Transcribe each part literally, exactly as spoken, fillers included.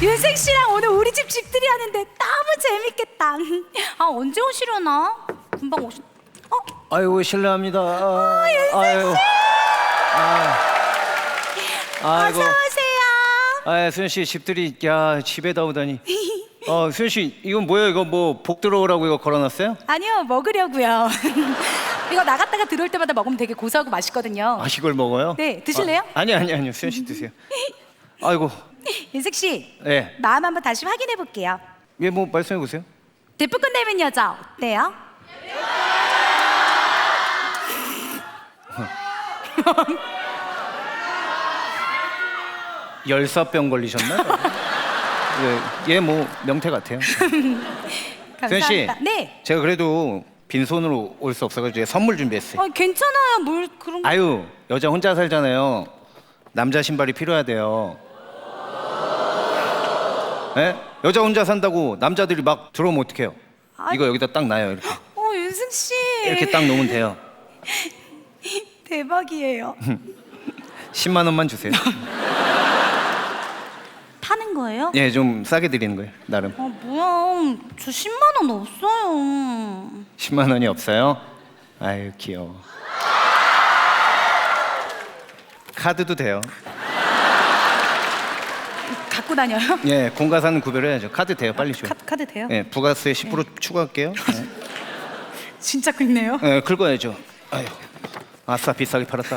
윤생 씨랑 오늘 우리 집 집들이 하는데 너무 재밌겠다. 아 언제 오시려나? 금방 오시. 어? 아이고 실례합니다. 아, 아유. 아, 아이고. 어서 오세요. 아, 수현 씨 집들이 야 집에다 오다니. 어, 수현 씨 이건 뭐예요? 이거 뭐 복 들어오라고 이거 걸어놨어요? 아니요 먹으려고요. 이거 나갔다가 들어올 때마다 먹으면 되게 고소하고 맛있거든요. 아, 이걸 먹어요? 네, 드실래요? 아, 아니 아니 아니요. 수현 씨 드세요. 아이고. 윤생 씨, 예. 마음 한번 다시 확인해 볼게요. 예, 뭐 말씀해 보세요. 대포권 닮은 여자 어때요? 열사병 걸리셨나? 예, 얘뭐 명태 같아요. 수현 씨. 감사합니다. 네. 제가 그래도 빈손으로 올 수 없어가지고 선물 준비했어요. 아, 괜찮아요. 뭘 그런 거. 아유, 여자 혼자 살잖아요. 남자 신발이 필요해야 돼요. 예? 여자 혼자 산다고 남자들이 막 들어오면 어떡해요? 아이. 이거 여기다 딱 놔요, 이렇게. 어, 윤승 씨. 이렇게 딱 놓으면 돼요. 대박이에요. 십만 원만 주세요. 파는 거예요? 예, 좀 싸게 드리는 거예요, 나름. 아, 뭐야. 저 십만 원 없어요. 십만 원이 없어요? 아유, 귀여워. 카드도 돼요. 갖고 다녀요? 예, 공과사는 구별해야죠. 카드 돼요, 빨리 줘요. 카드, 카드 돼요? 예, 부가세 십 퍼센트 추가할게요. 예. 진짜 긁네요. 예, 긁어야죠. 아유, 아싸 비싸게 팔았다.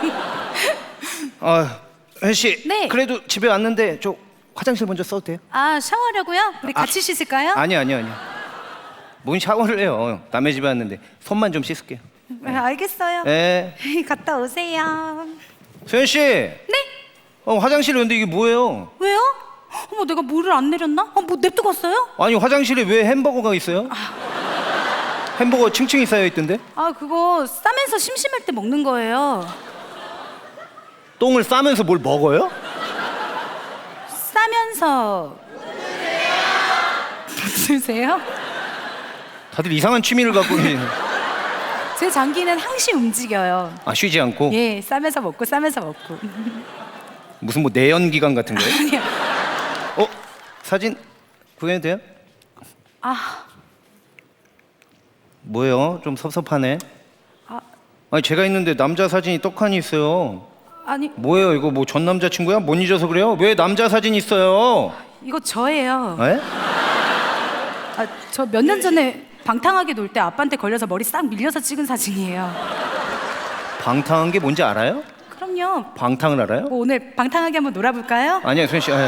아, 현 씨. 네. 그래도 집에 왔는데 저 화장실 먼저 써도 돼요? 아, 샤워하려고요? 우리 아, 같이 씻을까요? 아니 아니 아니. 뭔 샤워를 해요? 남의 집에 왔는데 손만 좀 씻을게요. 네, 알겠어요. 예. 갔다 오세요. 소연 씨. 네? 어, 화장실에 근데 이게 뭐예요? 왜요? 어머, 내가 물을 안 내렸나? 어, 뭐 냅두고 왔어요? 아니 화장실에 왜 햄버거가 있어요? 햄버거 층층이 쌓여 있던데? 아, 그거 싸면서 심심할 때 먹는 거예요. 똥을 싸면서 뭘 먹어요? 싸면서 드세요? 다들 이상한 취미를 갖고 계시네. 제 장기는 항시 움직여요. 아, 쉬지 않고? 예, 싸면서 먹고 싸면서 먹고. 무슨 뭐 내연 기관 같은 거예요? 아니요. 어? 사진 구해도 돼요? 아, 뭐예요? 좀 섭섭하네. 아, 아니 제가 있는데 남자 사진이 떡하니 있어요. 아니 뭐예요? 이거 뭐 전 남자친구야? 못 잊어서 그래요? 왜 남자 사진 있어요? 이거 저예요. 에? 아, 저 몇 년 전에 방탕하게 놀 때 아빠한테 걸려서 머리 싹 밀려서 찍은 사진이에요. 방탕한 게 뭔지 알아요? 그럼요. 방탕을 알아요? 뭐 오늘 방탕하게 한번 놀아볼까요? 아니야, 수현 씨. 아유.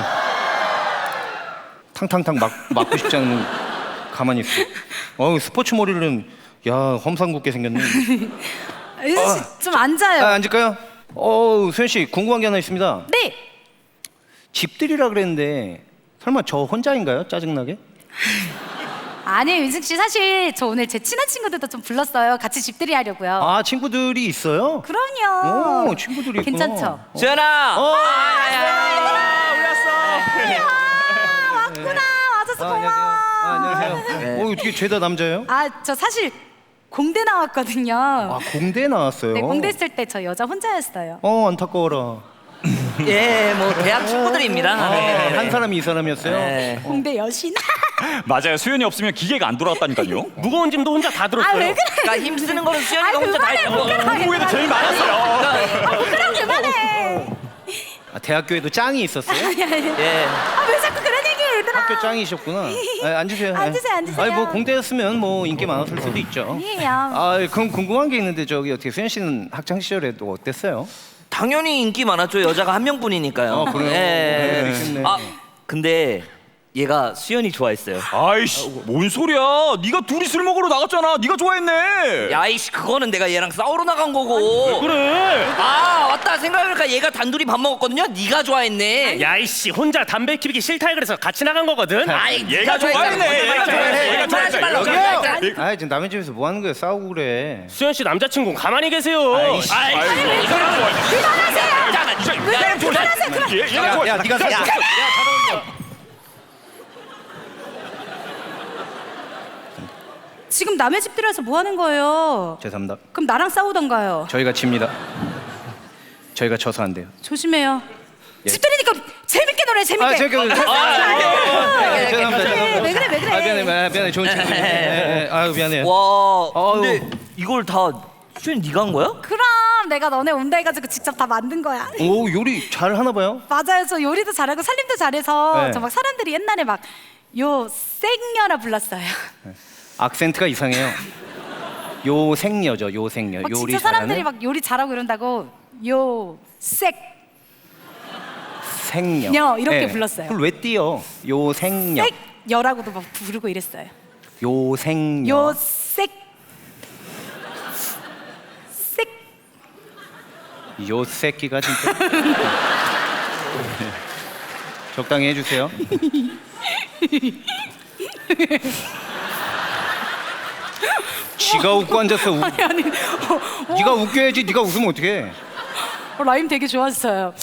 탕탕탕 막 맞고 싶지 않으면 가만히 있어. 어우, 스포츠 머리는 야 험상궂게 생겼네. 윤수 씨, 좀 앉아요. 아, 앉을까요? 어우, 수현 씨 궁금한 게 하나 있습니다. 네. 집들이라 그랬는데 설마 저 혼자인가요? 짜증나게? 아니 윤승 씨, 사실 저 오늘 제 친한 친구들도 좀 불렀어요. 같이 집들이 하려고요. 아, 친구들이 있어요? 그럼요. 오, 친구들이 있구나. 괜찮죠? 수연아. 어. 아, 왔구나. 와줘서 아, 고마워. 안녕하세요. 아, 안녕하세요. 네. 어, 어떻게 죄다 남자예요? 아, 저 사실 공대 나왔거든요. 아, 공대 나왔어요. 네, 공대 있을 때 저 여자 혼자였어요. 어, 안타까워라. 예, 뭐 대학 친구들입니다. 아, 네. 한 사람이 이 사람이었어요? 네. 공대 여신. 맞아요. 수연이 없으면 기계가 안 돌아갔다니까요. 무거운 짐도 혼자 다 들었어요. 아, 왜 그래? 그러니까 힘 쓰는 거는 수연이가 아, 혼자 다 그만해, 했고. 부끄러워. 후에도 제일 많았어요. 아, 부끄러워, 그만해. 아, 대학교에도 짱이 있었어요? 예. 아, 왜 자꾸 그런 얘기해, 얘들아. 학교 짱이셨구나. 아, 앉으세요. 앉으세요, 앉으세요. 아니, 뭐 공대였으면 뭐 인기 많았을 수도 있죠. 아니에요. 아, 그럼 궁금한 게 있는데 저기 어떻게 수현 씨는 학창 시절에도 어땠어요? 당연히 인기 많았죠. 여자가 한 명뿐이니까요. 아, 그래요? 예. 그랬겠네. 아, 근데 얘가 수연이 좋아했어요. 아이씨, 뭔 소리야? 네가 둘이 술 먹으러 나갔잖아. 네가 좋아했네. 야이씨, 그거는 내가 얘랑 싸우러 나간 거고. 그래. 아, 맞다. 생각해보니까 얘가 단둘이 밥 먹었거든요. 네가 좋아했네. 야 이씨 혼자 담배 피우기 싫다 그래서 같이 나간 거거든. 아이, 얘가 네가 좋아했네. 좋아했네. 얘가 좋아했네. 얘가 그만하지 말라고. 여기요! 아, 지금 남의 집에서 뭐 하는 거예요? 싸우고 그래. 수현 씨 남자친구 가만히 계세요. 아이씨. 아이, 아이고, 이 사람 좋아했네. 그만하세요. 야, 이 사람 좋아했네. 얘- 얘가 야, 야, 좋아했어. 네가 사. 야, 잘 어울려. 지금 남의 집들여서 뭐 하는 거예요? 죄송합니다. 그럼 나랑 싸우던가요. 저희가 집니다. 저희가 져서 안 돼요. 조심해요. 집들이니까 재밌게 노래 재밌게. 아 제가 아, 죄송합니다. 그래, 왜 그래 왜 그래. 아 미안해 아, 미안해 좋은 친구. 예, 예. 아유 미안해요. 와, 근데 아유. 이걸 다 수현 네가 한 거야? 그럼 내가 너네 온다 해가지고 직접 다 만든 거야. 오 요리 잘 하나 봐요. 맞아요. 저 요리도 잘하고 살림도 잘해서 네. 저 막 사람들이 옛날에 막 요 생녀라 불렀어요. 악센트가 이상해요. 요생녀죠 요생녀. 막 요리 진짜 사람들이 잘하는 막 요리 잘하고 이런다고 요색 생녀. 녀, 이렇게 불렀어요. 그걸 왜 띄어? 요생녀. 색녀라고도 막 부르고 이랬어요. 요생녀. 요색 색 요 새끼가 진짜. 적당히 해주세요. 지가 웃고 앉았어. 우, 아니 아니 어, 네가 웃겨야지. 네가 웃으면 어떡해? 어, 라임 되게 좋았어요.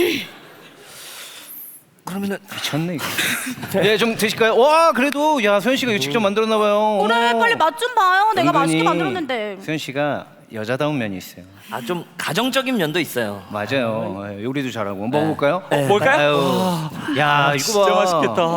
그러면은 미쳤네 이거. 네, 좀 드실까요? 와, 그래도 야 소연 씨가 이거 직접 만들었나 봐요. 그래 어머. 빨리 맛 좀 봐요. 내가 맛있게 은근히 만들었는데. 소연 씨가 여자다운 면이 있어요. 아 좀 가정적인 면도 있어요. 맞아요. 예, 요리도 잘하고 먹어볼까요? 어, 뭘까요? 아유, 야 이거 진짜 봐. 맛있겠다.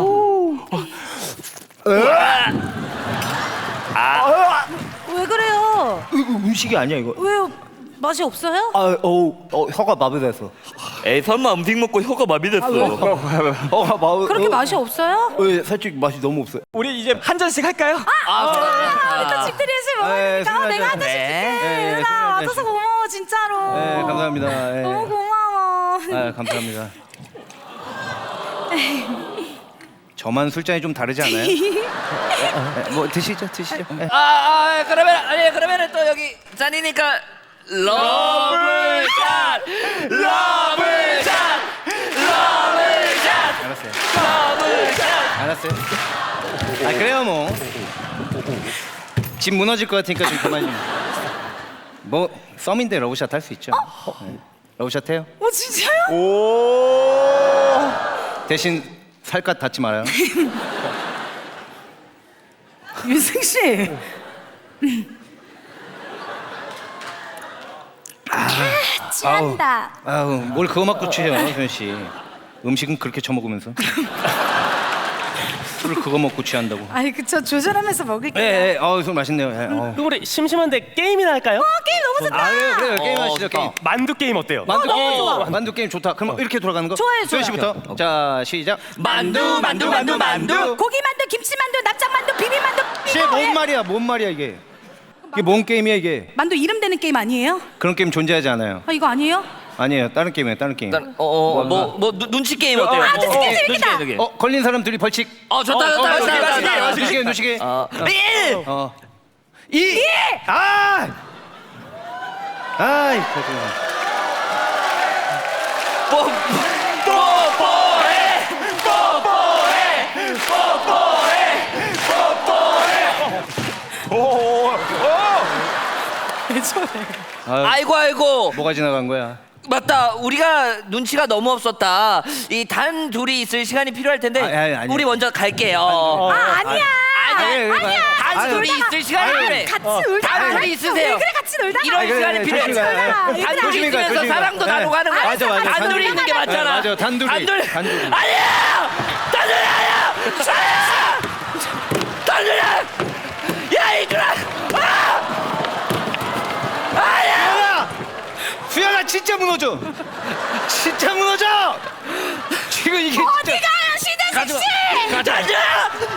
왜 그래요? 이거 음식이 아니야 이거. 왜요? 맛이 없어요? 아, 어, 어 혀가 마비돼서. 에이 설마 음식 먹고 혀가 마비됐어. 혀가 마비. 그렇게 맛이 없어요? 어, 살짝 맛이 너무 없어요. 우리 이제 한 잔씩 할까요? 아, 또 집들이에서 네, 먹으니까 어, 내가 한 네. 잔씩 줄게. 네, 은하 네, 와줘서 네. 고마워 진짜로. 네, 감사합니다. 네. 너무 고마워. 아, 감사합니다. 저만 술잔이 좀 다르지 않아요? 네, 뭐 드시죠, 드시죠. 네. 아, 아 그러면 아니 그러면은 또 여기 잔이니까 러브샷, 러브샷, 러브샷, 알았어요. 러브샷. 알았어요. 아 그래요 뭐. 집 무너질 것 같으니까 좀 그만 좀. 뭐 썸인데 러브샷 할 수 있죠. 네. 러브샷 해요. 어 진짜요? 오. 대신 살갗 닿지 말아요. 유승 씨. 아, 취한다. 아우 뭘 그거 맞고 취해요, 소연 씨. 음식은 그렇게 처먹으면서. 술을 그거 먹고 취한다고. 아니 그쵸 조절하면서 먹을게요. 예, 예, 아우 술 맛있네요. 예, 어우. 그럼 우리 심심한데 게임이나 할까요? 어, 게임 너무 좋다. 아 그래요, 그래요. 게임 어, 하시죠, 좋다. 게임. 만두 게임 어때요? 만두 너무 게임. 좋아. 만두 게임 좋다. 그럼 이렇게 돌아가는 거? 좋아요, 소연 좋아요. 씨부터. 자 시작. 만두, 만두, 만두, 만두. 고기 만두, 김치 만두, 납작 만두, 비빔 만두. 씨, 이거 뭔 예. 말이야? 뭔 말이야 이게? 이게 뭔 게임이야 이게? 만두 이름 되는 게임 아니에요? 그런 게임 존재하지 않아요. 아 이거 아니에요? 아니에요. 다른 게임이에요. 다른 게임. 어뭐뭐 눈치 게임 어때요? 아, 눈치 게임 어, 재밌겠다. 눈치 게임, 어 걸린 사람 둘이 벌칙. 어 좋다 좋다 어, 좋다 눈치게, 좋다 좋다. 눈치게, 눈치게. 어, 일. 어. 이. 아. 아이, 거짓말. 뽀 뽀뽀해 뽀뽀해 뽀뽀해 오. 오. 아유, 아이고 아이고 뭐가 지나간 거야? 맞다 우리가 눈치가 너무 없었다 이 단 둘이 있을 시간이 필요할 텐데 아, 아니, 아니. 우리 먼저 갈게요 아 아니야. 아니, 아니, 아니야. 단 아니, 둘이 놀다가- 있을 시간이 필요해 같이 놀다. 단 둘이 있으세요 그래 같이 놀다. 이런 아니, 그래, 시간이 그래, 필요해 조심히 가요. 단 둘이 조심히 가요, 있으면서 조심히 가요. 사랑도 네. 나누고 하는 거야 맞아, 맞아. 단둘이 있는 게 맞잖아 네, 맞아, 단둘이. 단둘이 단둘이. 아니야 단둘이 아니야 사야 단둘이 야 이들아 아! 아니야 수연아 진짜 무너져. 진짜 무너져. 지금 이게 어디 진짜. 가요 시대식 씨? 가자